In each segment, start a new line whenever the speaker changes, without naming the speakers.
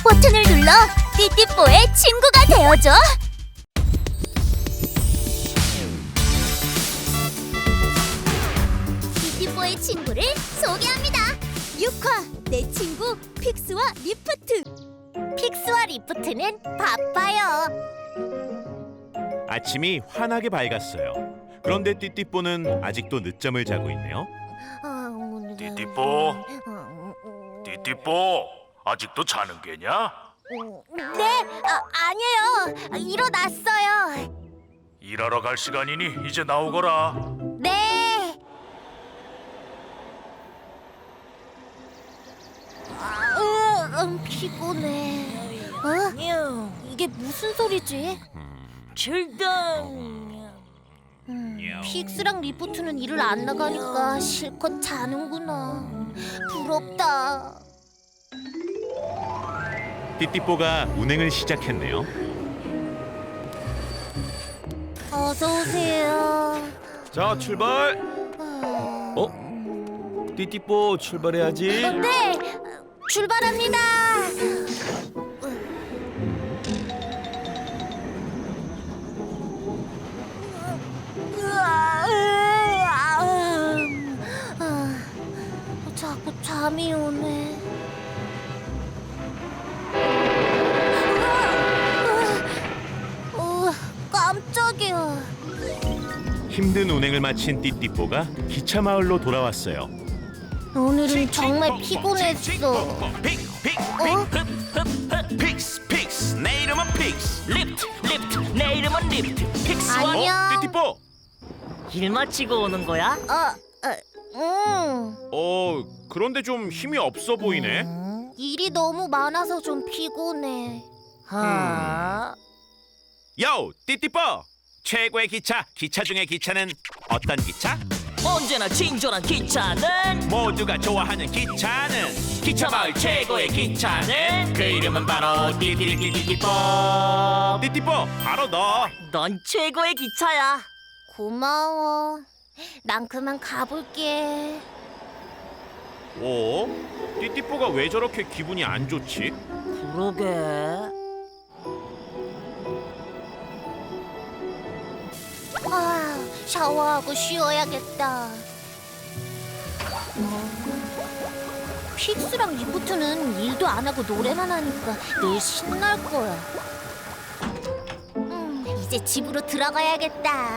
버튼을 눌러 띠띠뽀의 친구가 되어줘. 띠띠뽀의 친구를 소개합니다. 6화 내 친구 픽스와 리프트. 픽스와 리프트는 바빠요.
아침이 환하게 밝았어요. 그런데 띠띠뽀는 아직도 늦잠을 자고 있네요.
띠띠뽀, 띠띠뽀, 아직도 자는 게냐?
네, 아니에요. 일어났어요.
일하러 갈 시간이니 이제 나오거라.
네. 피곤해. 이게 무슨 소리지? 픽스랑 리프트는 일을 안 나가니까 실컷 자는구나. 부럽다.
띠띠뽀가 운행을 시작했네요.
어서 오세요.
자, 출발. 띠띠뽀 출발해야지.
네, 출발합니다. 자꾸 잠이 오네. 깜짝이야.
힘든 운행을 마친 띠띠뽀가 기차 마을로 돌아왔어요.
오늘은 정말 피곤했어.
픽스 픽스 내 이름은 픽스.
리프트 내 이름은 리프트 픽스와
안녕.
띠띠뽀.
일 마치고 오는 거야?
그런데 좀 힘이 없어 보이네.
일이 너무 많아서 좀 피곤해.
요 띠띠뽀. 최고의 기차 중의 기차는 어떤 기차?
언제나 친절한 기차는
모두가 좋아하는 기차는
기차마을 최고의 기차는
그 이름은 바로 띠띠띠띠뽀. 띠띠뽀 바로 너.
넌 최고의 기차야.
고마워. 난 그만 가볼게.
띠띠뽀가 왜 저렇게 기분이 안 좋지?
그러게.
샤워하고 쉬어야겠다. 픽스랑 리프트는 일도 안 하고 노래만 하니까 늘 신날 거야. 이제 집으로 들어가야겠다.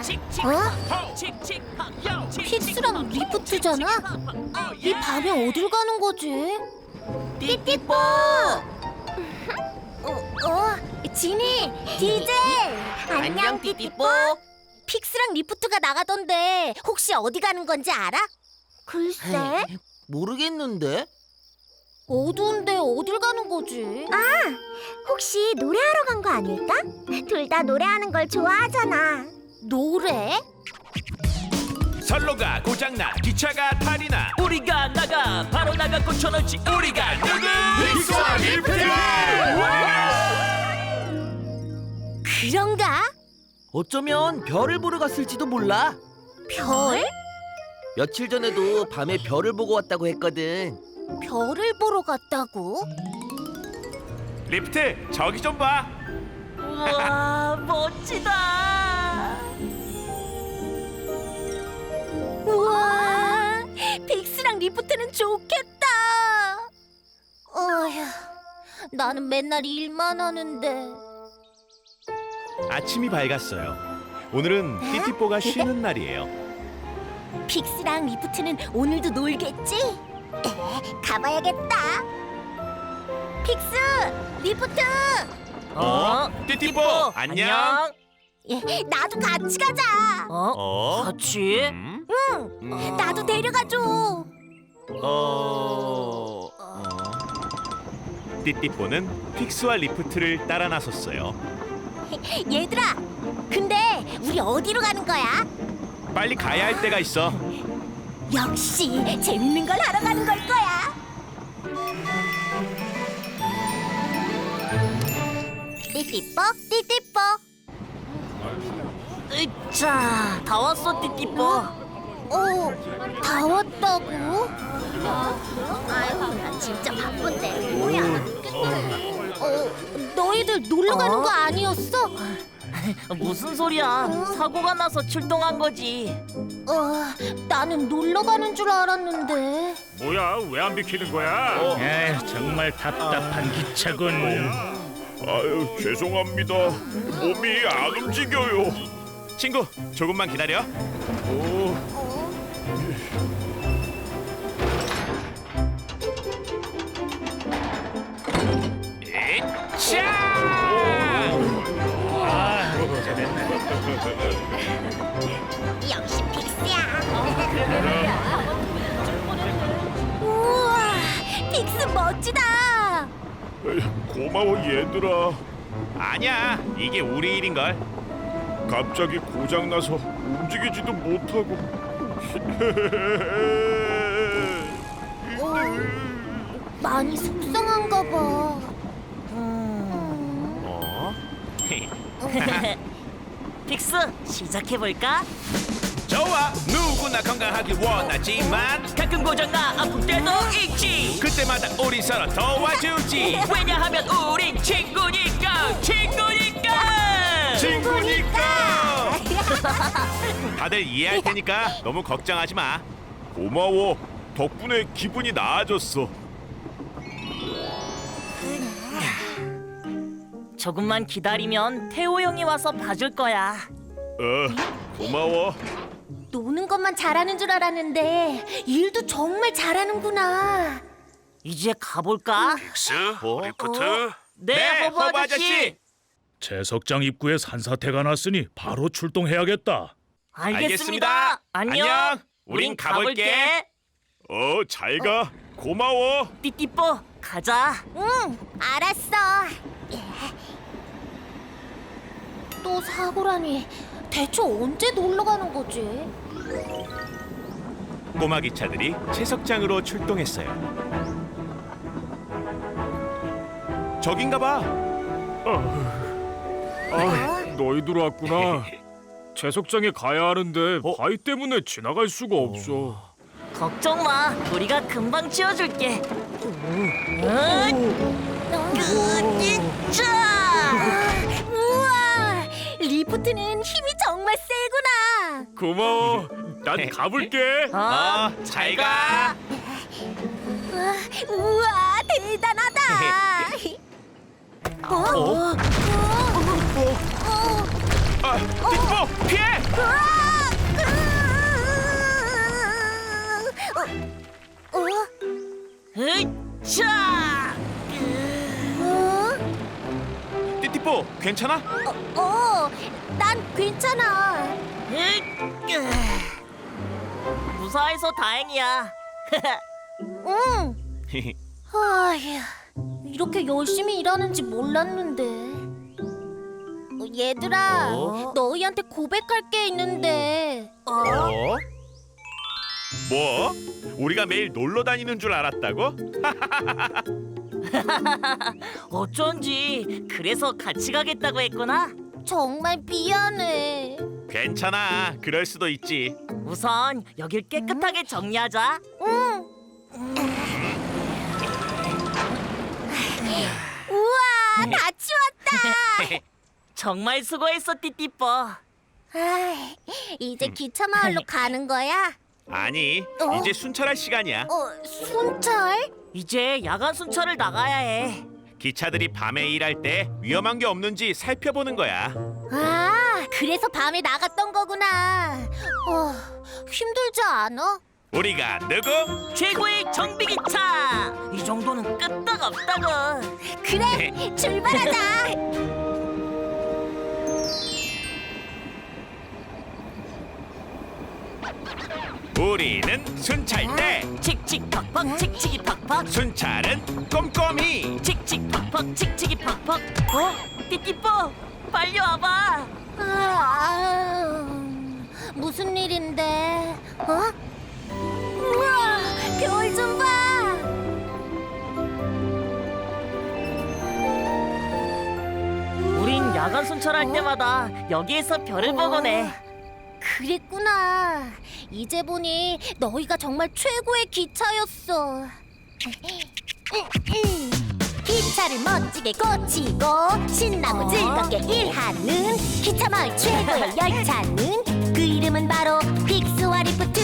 픽스랑 리프트잖아? 이 밤에 어딜 가는 거지? 띠띠뽀! 지니, 디젤! 안녕, 띠띠뽀! 픽스랑 리프트가 나가던데 혹시 어디 가는 건지 알아? 글쎄,
모르겠는데.
어두운데 어딜 가는 거지?
혹시 노래하러 간 거 아닐까? 둘 다 노래하는 걸 좋아하잖아.
노래?
선로가 고장나 기차가 탈이나
우리가 나가 바로 나가 고쳐놓지. 우리가 누구?
픽스와 리프트!
그런가?
어쩌면 별을 보러 갔을지도 몰라.
별?
며칠 전에도 밤에 별을 보고 왔다고 했거든.
별을 보러 갔다고?
리프트 저기 좀 봐.
우와 멋지다.
우와, 픽스랑 리프트는 좋겠다. 어휴, 나는 맨날 일만 하는데.
아침이 밝았어요. 오늘은 띠띠뽀가 쉬는 날이에요.
픽스랑 리프트는 오늘도 놀겠지? 가봐야겠다. 픽스, 리프트,
띠띠뽀 안녕.
나도 같이 가자.
같이?
나도 데려가줘.
띠띠뽀는 픽스와 리프트를 따라 나섰어요.
얘들아, 근데 우리 어디로 가는 거야?
빨리 가야 할 때가 있어.
역시 재밌는 걸 하러 가는 걸 거야. 띠띠뽀, 띠띠뽀.
자, 다 왔어 띠띠뽀.
다 왔다고? 아유, 나 진짜 바쁜데 뭐야? 너희들 놀러 가는 거 아니었어?
무슨 소리야? 사고가 나서 출동한 거지.
나는 놀러 가는 줄 알았는데.
뭐야? 왜 안 비키는 거야?
정말 답답한 기차군.
아유, 죄송합니다. 몸이 안 움직여요.
친구, 조금만 기다려.
역시 픽스야. 우와, 픽스 멋지다.
고마워 얘들아.
아니야, 이게 우리 일인걸.
갑자기 고장 나서 움직이지도 못하고.
많이 속상한가 봐.
픽스 시작해 볼까?
좋아, 누구나 건강하길 원하지만
가끔 고장나 아플 때도 있지.
그때마다 우리 서로 도와주지.
왜냐하면 우린 친구니까.
친구니까. 다들 이해할 테니까 너무 걱정하지 마.
고마워. 덕분에 기분이 나아졌어.
조금만 기다리면 태호 형이 와서 봐줄 거야.
고마워.
노는 것만 잘하는 줄 알았는데 일도 정말 잘하는구나.
이제 가볼까?
픽스, 리프트.
네, 허브 아저씨.
채석장 입구에 산사태가 났으니 바로 출동해야겠다.
알겠습니다. 안녕.
우린 가볼게.
잘 가. 고마워.
띠띠뽀 가자.
응, 알았어.
또 사고라니. 대체 언제 놀러 가는 거지?
꼬마 기차들이 채석장으로 출동했어요. 저긴가 봐.
너희들 왔구나. 채석장에 가야 하는데 바위 때문에 지나갈 수가 없어.
걱정 마. 우리가 금방 치워줄게.
우와, 리프트는 힘이 정말 세구나.
고마워. 난 가볼게.
잘 가.
우와, 대단하다.
띠띠뽀, 피해!
으차!
띠띠뽀, 괜찮아?
난 괜찮아.
무사해서 다행이야.
응. 아휴, 이렇게 열심히 일하는지 몰랐는데. 얘들아, 너희한테 고백할 게 있는데.
뭐? 우리가 매일 놀러 다니는 줄 알았다고?
어쩐지 그래서 같이 가겠다고 했구나.
정말 미안해.
괜찮아, 그럴 수도 있지.
우선 여길 깨끗하게 정리하자.
응. 우와, 다 치웠다.
정말 수고했어, 띠띠뽀.
아이, 이제 기차 마을로 가는 거야?
아니, 이제 순찰할 시간이야.
순찰?
이제 야간 순찰을 나가야 해.
기차들이 밤에 일할 때 위험한 게 없는지 살펴보는 거야.
아, 그래서 밤에 나갔던 거구나. 힘들지 않아?
우리가 누구?
최고의 정비기차! 이 정도는 끄떡없다고.
그래, 출발하자.
우리는 순찰대.
칙칙팍팍 칙칙이 팍팍.
순찰은 꼼꼼히.
칙칙팍팍 칙칙이 팍팍. 띠띠뽀 빨리 와봐.
무슨 일인데? 우와, 별 좀 봐.
우린 야간 순찰할 때마다 여기에서 별을 보곤 해.
그랬구나. 이제 보니 너희가 정말 최고의 기차였어. 기차 기차를 멋지게 고치고 신나고 즐겁게 일하는 기차 마을 최고의 열차는 그 이름은 바로 픽스와 리프트.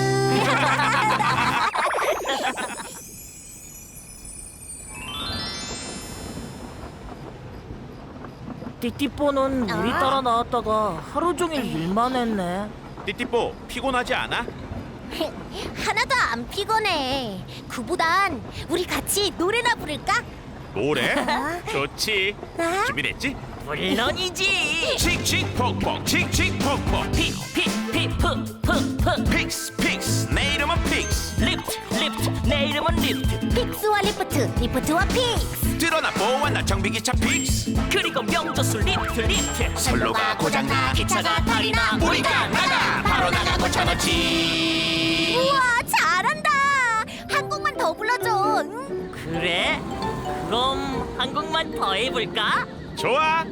띠띠뽀는 우리 따라 나왔다가 하루 종일 일만 했네.
띠띠뽀 피곤하지 않아?
하나도 안 피곤해. 그보단 우리 같이 노래나 부를까?
노래? 좋지. 준비됐지?
물론이지.
칙칙폭폭 칙칙폭폭
픽픽픽푸푸푸
픽스 픽스 내 이름은 픽스.
리프트 리프트 내 이름은 리프트.
픽스와 리프트, 리프트와 픽스.
드러나 보완나 정비기차 픽스.
그리고 명조수 리프트 리프트.
선로가 고장나
기차가 탈이 나
우리가 나가 바로 나가 고쳐놓지.
우와, 잘한다. 한 곡만 더 불러줘. 응?
그래? 그럼 한 곡만 더 해볼까?
좋아.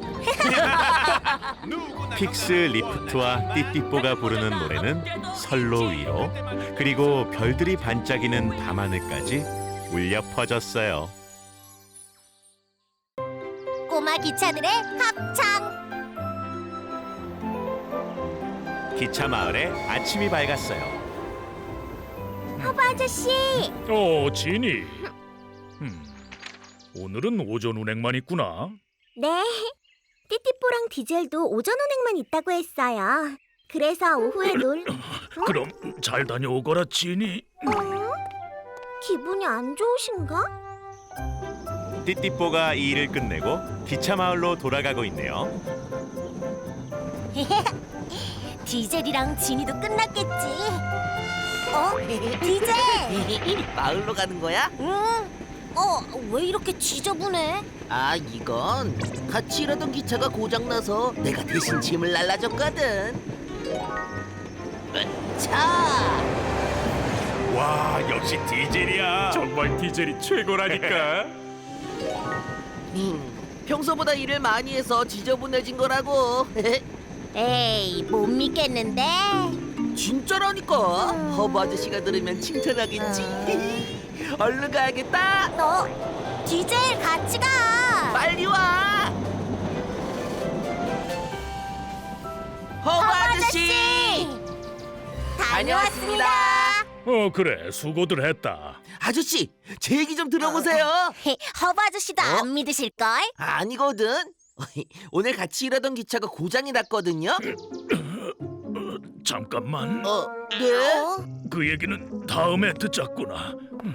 픽스 리프트와 띠띠뽀가 부르는 노래는 선로 위로 그리고 별들이 반짝이는 밤하늘까지 울려 퍼졌어요.
꼬마 기차들의 합창.
기차 마을에 아침이 밝았어요.
허브 아저씨,
지니. 오늘은 오전 운행만 있구나.
네. 띠띠뽀랑 디젤도 오전 운행만 있다고 했어요. 그래서 오후에
그럼 잘 다녀오거라, 지니.
기분이 안 좋으신가?
띠띠뽀가 이 일을 끝내고 기차 마을로 돌아가고 있네요.
디젤이랑 지니도 끝났겠지. 디젤.
마을로 가는 거야?
응. 왜 이렇게 지저분해?
아, 이건 같이 일하던 기차가 고장나서 내가 대신 짐을 날라줬거든. 차!
와, 역시 디젤이야.
정말 디젤이 최고라니까.
평소보다 일을 많이 해서 지저분해진 거라고.
에이, 못 믿겠는데.
진짜라니까. 허브 아저씨가 들으면 칭찬하겠지. 얼른 가야겠다.
너 디젤 같이 가.
빨리 와. 허브 아저씨. 다녀왔습니다.
그래, 수고들 했다.
아저씨, 제 얘기 좀 들어보세요.
허브 아저씨도 안 믿으실걸?
아니거든. 오늘 같이 일하던 기차가 고장이 났거든요.
잠깐만.
네?
그 얘기는 다음에 듣자꾸나.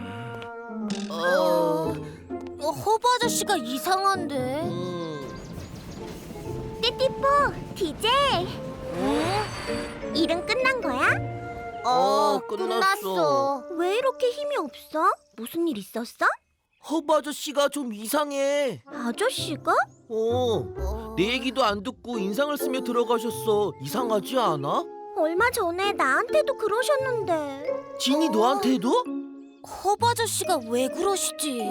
허브 아저씨가 이상한데.
띠띠뽀, 디젤. 일은 끝난 거야?
끝났어.
왜 이렇게 힘이 없어? 무슨 일 있었어?
허브 아저씨가 좀 이상해.
아저씨가?
내 얘기도 안 듣고 인상을 쓰며 들어가셨어. 이상하지 않아?
얼마 전에 나한테도 그러셨는데.
진이 너한테도?
허브 아저씨가 왜 그러시지?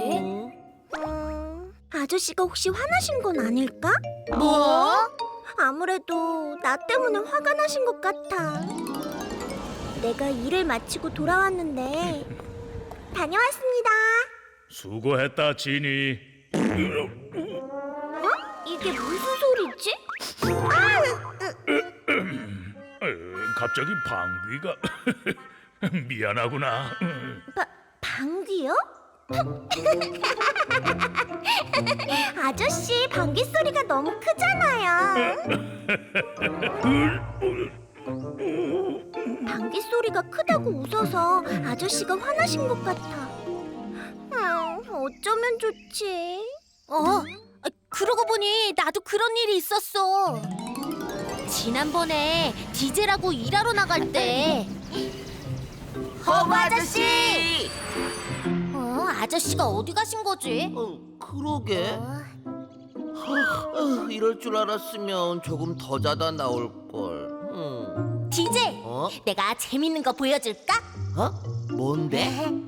아저씨가 혹시 화나신 건 아닐까?
뭐?
아무래도 나 때문에 화가 나신 것 같아. 내가 일을 마치고 돌아왔는데 다녀왔습니다.
수고했다, 지니.
이게 무슨 소리지?
갑자기 방귀가 미안하구나.
방귀요? 아저씨, 방귀 소리가 너무 크잖아요. 방귀 소리가 크다고 웃어서 아저씨가 화나신 것 같아. 어쩌면 좋지?
그러고 보니 나도 그런 일이 있었어. 지난번에 디젤하고 일하러 나갈 때
허브 아저씨!
아저씨가 어디 가신 거지?
그러게. 이럴 줄 알았으면 조금 더 자다 나올 걸.
디젤, 내가 재밌는 거 보여줄까?
뭔데?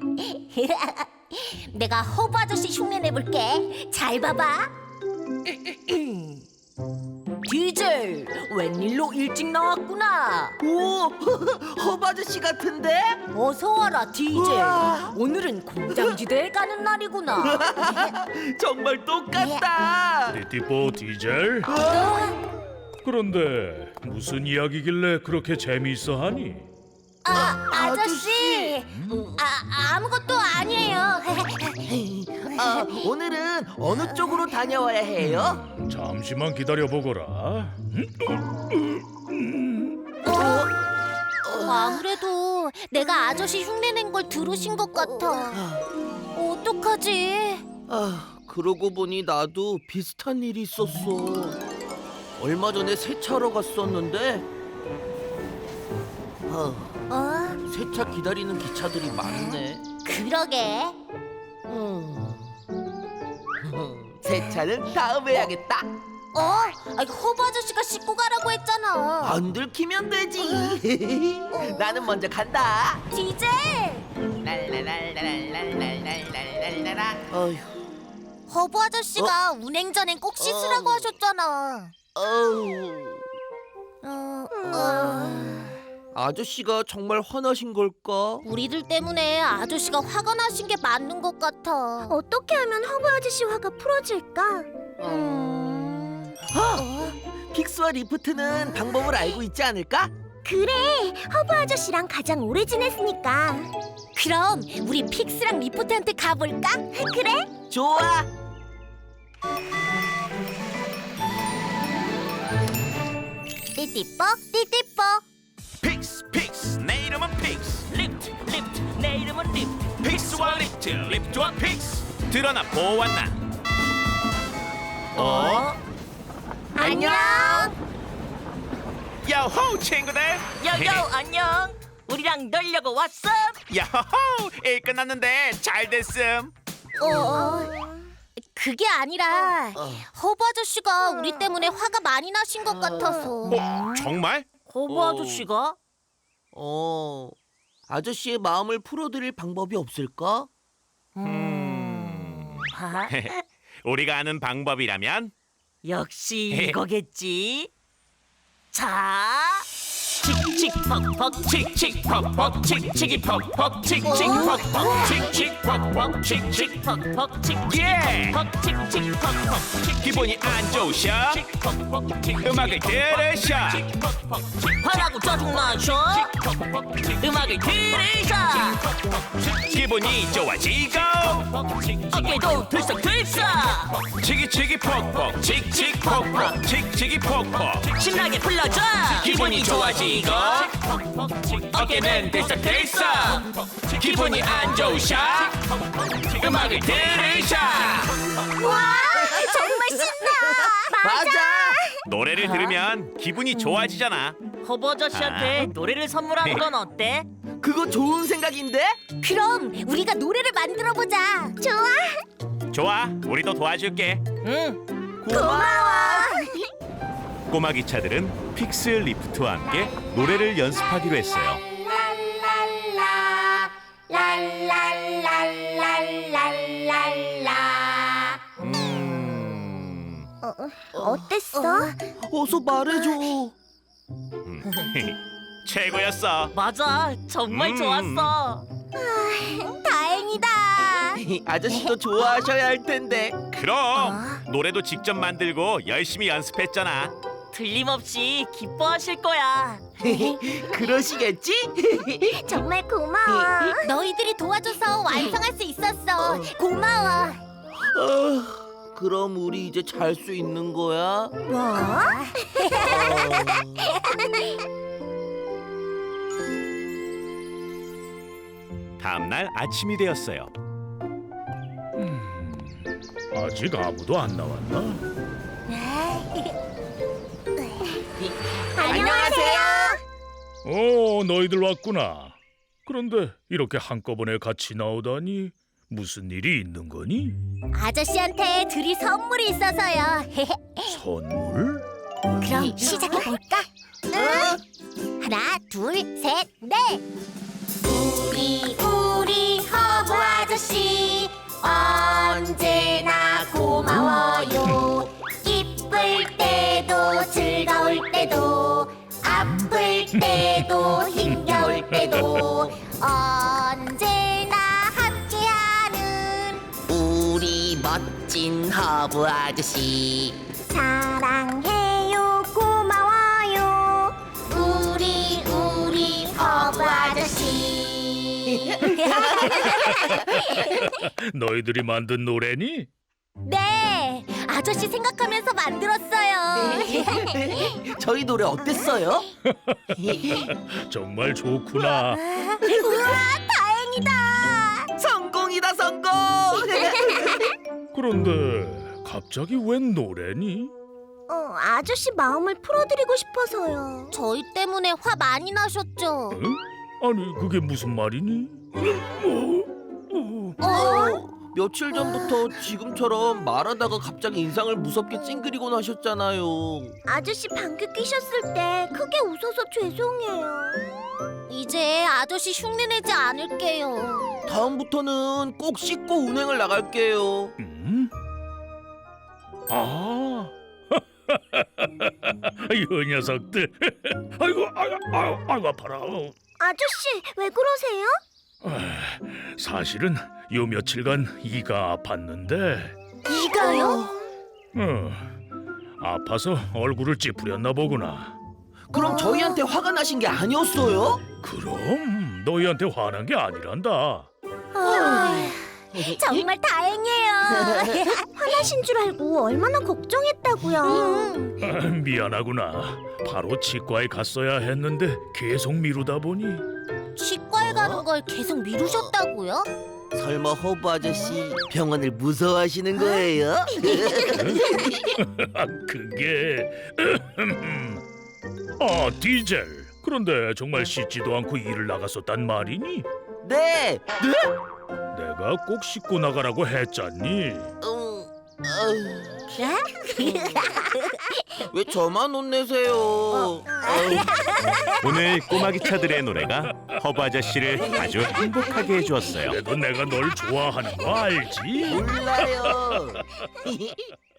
내가 허브 아저씨 흉내 내볼게. 잘 봐봐. 디젤,
디젤, 웬일로 일찍 나왔구나.
오, 허브 아저씨 같은데?
어서 와라, 디젤.
우와.
오늘은 공장지대에 가는 날이구나.
정말 똑같다.
띠띠뽀 디젤? 그런데 무슨 이야기길래 그렇게 재미있어하니?
아저씨. 아무것도 아니에요.
오늘은 어느 쪽으로 다녀와야 해요?
잠시만 기다려보거라.
아무래도 내가 아저씨 흉내낸 걸 들으신 것 같아. 어떡하지?
그러고 보니 나도 비슷한 일이 있었어. 얼마 전에 세차하러 갔었는데 세차 기다리는 기차들이 많네.
그러게.
세차는 다음에 해야겠다.
허브 아저씨가 씻고 가라고 했잖아.
안 들키면 되지. 나는 먼저 간다.
디젤.
랄랄랄랄랄랄랄랄랄랄라. 어휴,
허브 아저씨가 운행 전엔 꼭 씻으라고 하셨잖아.
아저씨가 정말 화나신 걸까?
우리들 때문에 아저씨가 화가 나신 게 맞는 것 같아.
어떻게 하면 허브 아저씨 화가 풀어질까?
픽스와 리프트는 방법을 알고 있지 않을까?
그래, 허브 아저씨랑 가장 오래 지냈으니까.
그럼 우리 픽스랑 리프트한테 가볼까?
그래?
좋아.
띠띠뽀 띠띠뽀.
픽스 내 이름은 픽스.
리프트, 내 이름은 리프트.
픽스와 리프트, 리프트와 픽스. 드러나 보았나?
안녕.
야호 친구들.
여여, 안녕. 우리랑 놀려고 왔어.
야호 일 끝났는데 잘 됐음.
그게 아니라 허브 아저씨가 우리 때문에 화가 많이 나신 것 같아서.
정말?
허브 아저씨가?
아저씨의 마음을 풀어드릴 방법이 없을까?
우리가 아는 방법이라면
역시 이거겠지. 자, 칙칙퍽퍽, 칙칙퍽퍽, 칙칙이퍽퍽, 칙칙퍽퍽, 칙칙퍽퍽, 칙칙퍽퍽, 칙칙퍽퍽, 칙칙퍽퍽.
기분이 안 좋으셔? 음악을 들으셔.
화나고 짜증나셔? 음악을 들으셔.
기분이 좋아지고
어깨도 들썩들썩.
치기치기 퍽퍽 칙칙퍽퍽 칙칙이 퍽퍽.
신나게 불러줘.
기분이 좋아지고 어깨는 들썩들썩. 기분이 안 좋으셔? 음악을 들으셔.
와, 정말 신나.
맞아.
노래를 들으면 기분이 좋아지잖아.
허브 아저씨한테 노래를 선물하는 건 어때?
그거 좋은 생각인데?
그럼 우리가 노래를 만들어 보자. 좋아.
좋아, 우리도 도와줄게.
응.
고마워.
꼬마 기차들은 픽스 리프트와 함께 노래를 연습하기로 했어요.
어땠어?
어서 말해줘.
최고였어.
맞아, 정말 좋았어.
다행이다.
아저씨도 좋아하셔야 할 텐데.
그럼 노래도 직접 만들고 열심히 연습했잖아.
틀림없이 기뻐하실 거야.
그러시겠지?
정말 고마워.
너희들이 도와줘서 완성할 수 있었어. 고마워.
그럼 우리 이제 잘 수 있는 거야?
뭐?
다음 날 아침이 되었어요.
아직 아무도 안 나왔나?
안녕하세요.
너희들 왔구나. 그런데 이렇게 한꺼번에 같이 나오다니 무슨 일이 있는 거니?
아저씨한테 드릴 선물이 있어서요.
선물?
그럼 시작해 볼까? 하나, 둘, 셋, 넷. 우리 허브 아저씨 언제나 고마워요. 기쁠 때도 즐거워요.
멋진 허브 아저씨.
사랑해요, 고마워요. 우리 허브 아저씨.
너희들이 만든 노래니?
네, 아저씨 생각하면서 만들었어요.
저희 노래 어땠어요?
정말 좋구나.
우와, 다행이다.
성공이다 성공.
그런데 갑자기 웬 노래니?
아저씨 마음을 풀어드리고 싶어서요.
저희 때문에 화 많이 나셨죠?
응? 아니 그게 무슨 말이니?
며칠 전부터 지금처럼 말하다가 갑자기 인상을 무섭게 찡그리곤 하셨잖아요.
아저씨 방귀 뀌셨을 때 크게 웃어서 죄송해요.
이제 아저씨 흉내내지 않을게요.
다음부터는 꼭 씻고 운행을 나갈게요.
아, 이 녀석들. 아이고, 아이고 아파라.
아저씨 왜 그러세요?
사실은 요 며칠간 이가 아팠는데,
이가요?
아파서 얼굴을 찌푸렸나 보구나.
그럼 저희한테 화가 나신 게 아니었어요?
그럼 너희한테 화난 게 아니란다.
정말 다행이에요.
화나신 줄 알고 얼마나 걱정했다고요.
미안하구나. 바로 치과에 갔어야 했는데 계속 미루다 보니.
치과에 가는 걸 계속 미루셨다고요?
설마 허브 아저씨 병원을 무서워하시는 거예요?
그게 디젤. 그런데 정말 씻지도 않고 일을 나갔었단 말이니?
네.
내가 꼭 씻고 나가라고 했잖니.
왜 저만 혼내세요?
오늘 꼬마 기차들의 노래가 허브 아저씨를 아주 행복하게 해주었어요.
그래도 내가 널 좋아하는 거 알지?
몰라요.